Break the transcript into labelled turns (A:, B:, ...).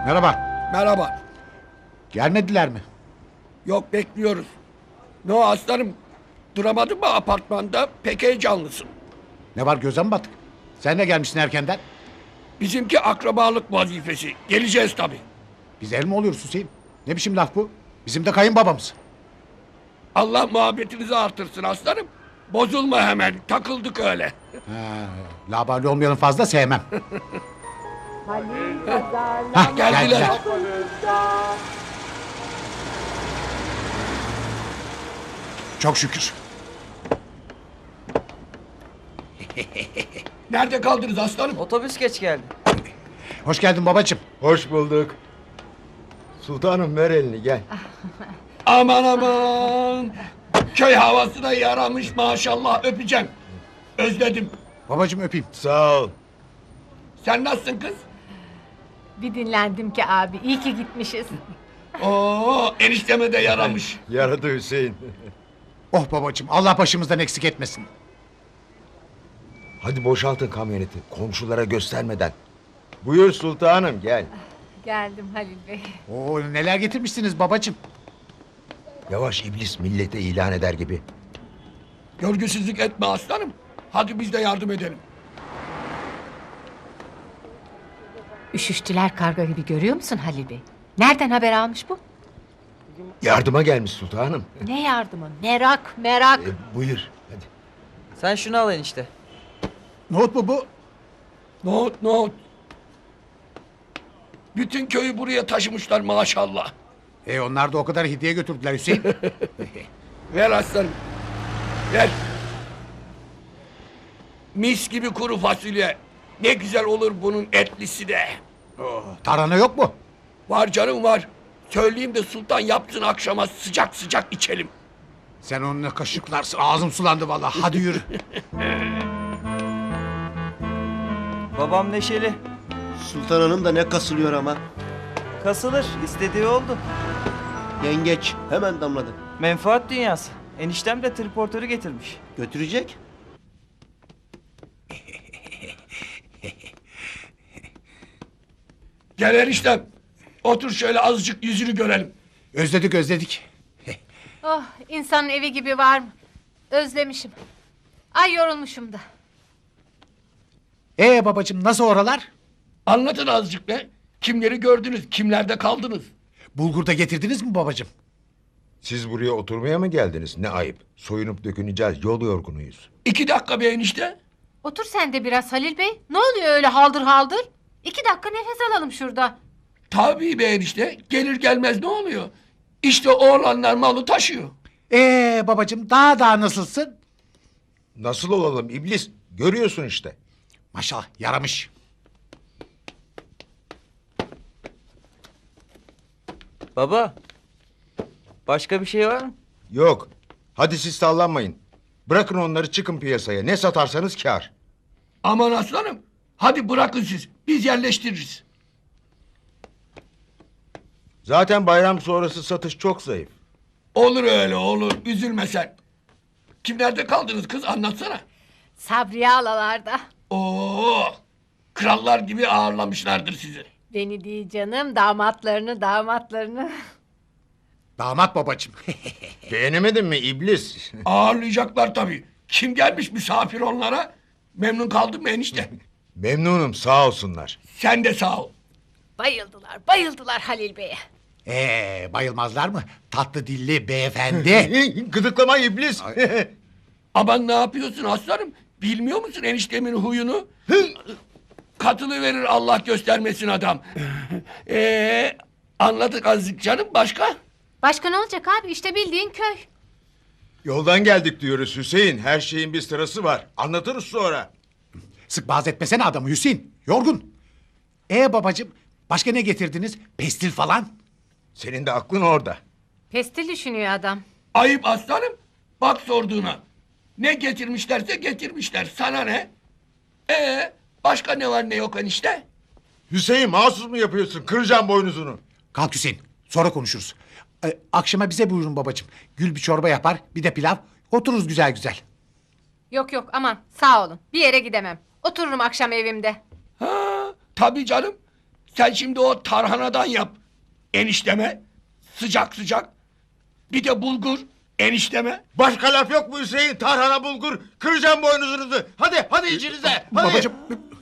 A: Merhaba.
B: Merhaba.
A: Gelmediler mi?
B: Yok, bekliyoruz. Ne o aslanım? Duramadın mı apartmanda? Pek heyecanlısın.
A: Ne var, göze mi battık? Sen de gelmişsin erkenden.
B: Bizimki akrabalık vazifesi. Geleceğiz tabii.
A: Biz el mi oluyoruz Hüseyin? Ne biçim laf bu? Bizim de kayınbabamız.
B: Allah muhabbetinizi artırsın aslanım. Bozulma hemen. Takıldık öyle.
A: Labali olmayanı fazla sevmem. Hah,
B: Geldiler.
A: Çok şükür.
B: Nerede kaldınız aslanım?
C: Otobüs geç geldi.
A: Hoş geldin babacığım.
D: Hoş bulduk. Sultanım ver elini gel.
B: Aman aman. Köy havası da yaramış maşallah, öpeceğim. Özledim.
A: Babacığım öpeyim.
D: Sağ ol.
B: Sen nasılsın kız?
E: Bir dinlendim ki abi. İyi ki gitmişiz.
B: Oo, enişteme de yaramış.
D: Yaradı Hüseyin.
A: Oh babacığım, Allah başımızdan eksik etmesin.
D: Hadi boşaltın kamyoneti komşulara göstermeden. Buyur sultanım gel.
E: Geldim Halil Bey.
A: Oo, neler getirmişsiniz babacığım.
D: Yavaş iblis millete ilan eder gibi.
B: Görgüsüzlük etme aslanım. Hadi biz de yardım edelim.
E: Üşüştüler karga gibi, görüyor musun Halil Bey? Nereden haber almış bu?
D: Yardıma gelmiş sultanım.
E: Ne yardımı? Merak, merak.
D: Buyur hadi.
C: Sen şunu al enişte.
A: Nohut mu bu?
B: Nohut nohut. Bütün köyü buraya taşımışlar maşallah.
A: Onlar da o kadar hediye götürdüler Hüseyin.
B: Ver aslanım. Ver. Mis gibi kuru fasulye. Ne güzel olur bunun etlisi de.
A: Tarhana yok mu?
B: Var canım var. Söyleyeyim de sultan yapsın, akşama sıcak sıcak içelim.
A: Sen onunla kaşıklarsın. Ağzım sulandı vallahi. Hadi yürü.
C: Babam neşeli.
F: Sultan Hanım da ne kasılıyor ama.
C: Kasılır. İstediği oldu.
F: Yengeç hemen damladı.
C: Menfaat dünyası. Eniştem de triportörü getirmiş.
F: Götürecek.
B: Gel eniştem. Otur şöyle, azıcık yüzünü görelim.
A: Özledik.
E: Oh, insanın evi gibi var mı? Özlemişim. Ay, yorulmuşum da.
A: Babacığım, nasıl oralar?
B: Anlatın azıcık be. Kimleri gördünüz, kimlerde kaldınız?
A: Bulgur da getirdiniz mi babacığım?
D: Siz buraya oturmaya mı geldiniz? Ne ayıp. Soyunup döküneceğiz yol yorgunuyuz.
B: 2 dakika be enişte.
E: Otur sen de biraz Halil Bey. Ne oluyor öyle haldır haldır? 2 dakika nefes alalım şurada.
B: Tabii be enişte. Gelir gelmez ne oluyor? İşte oğlanlar malı taşıyor.
A: Babacığım, daha nasılsın?
D: Nasıl olalım iblis? Görüyorsun işte.
A: Maşallah, yaramış.
C: Baba. Başka bir şey var mı?
D: Yok. Hadi siz sallanmayın. Bırakın onları, çıkın piyasaya. Ne satarsanız kâr.
B: Aman aslanım. Hadi bırakın siz. Biz yerleştiririz.
D: Zaten bayram sonrası satış çok zayıf.
B: Olur öyle olur. Üzülme sen. Kimlerde kaldınız kız, anlatsana.
E: Sabriye alalarda.
B: Oo, krallar gibi ağırlamışlardır sizi.
E: Beni değil canım, damatlarını.
A: Damat babacığım.
D: Beğenemedin mi iblis?
B: Ağırlayacaklar tabii. Kim gelmiş misafir onlara? Memnun kaldın mı enişte?
D: Memnunum, sağ olsunlar.
B: Sen de sağ ol.
E: Bayıldılar Halil Bey'e.
A: Bayılmazlar mı? Tatlı dilli beyefendi.
D: Gıdıklama iblis.
B: Aman ne yapıyorsun aslanım? Bilmiyor musun eniştemin huyunu? Katılıverir Allah göstermesin adam. Anladık azıcık canım, başka?
E: Başka ne olacak abi? İşte bildiğin köy.
D: Yoldan geldik diyoruz Hüseyin. Her şeyin bir sırası var. Anlatırız sonra.
A: Sık boğaz etmesene adamı Hüseyin. Yorgun. Babacığım, başka ne getirdiniz? Pestil falan?
D: Senin de aklın orada.
E: Pestil düşünüyor adam.
B: Ayıp aslanım. Bak sorduğuna. Ne getirmişlerse getirmişler. Sana ne? Başka ne var ne yok enişte?
D: Hüseyin, mahsus mu yapıyorsun? Kıracağım boynuzunu.
A: Kalk Hüseyin. Sonra konuşuruz. Akşama bize buyurun babacığım. Gül bir çorba yapar, bir de pilav. Otururuz güzel güzel.
E: Yok aman, sağ olun. Bir yere gidemem. Otururum akşam evimde.
B: Ha, tabii canım. Sen şimdi o tarhanadan yap enişteme. Sıcak sıcak. Bir de bulgur enişteme.
D: Başka laf yok mu Hüseyin? Tarhana bulgur. Kıracağım boynuzunuzu. Hadi içinize. Hadi.
A: Babacığım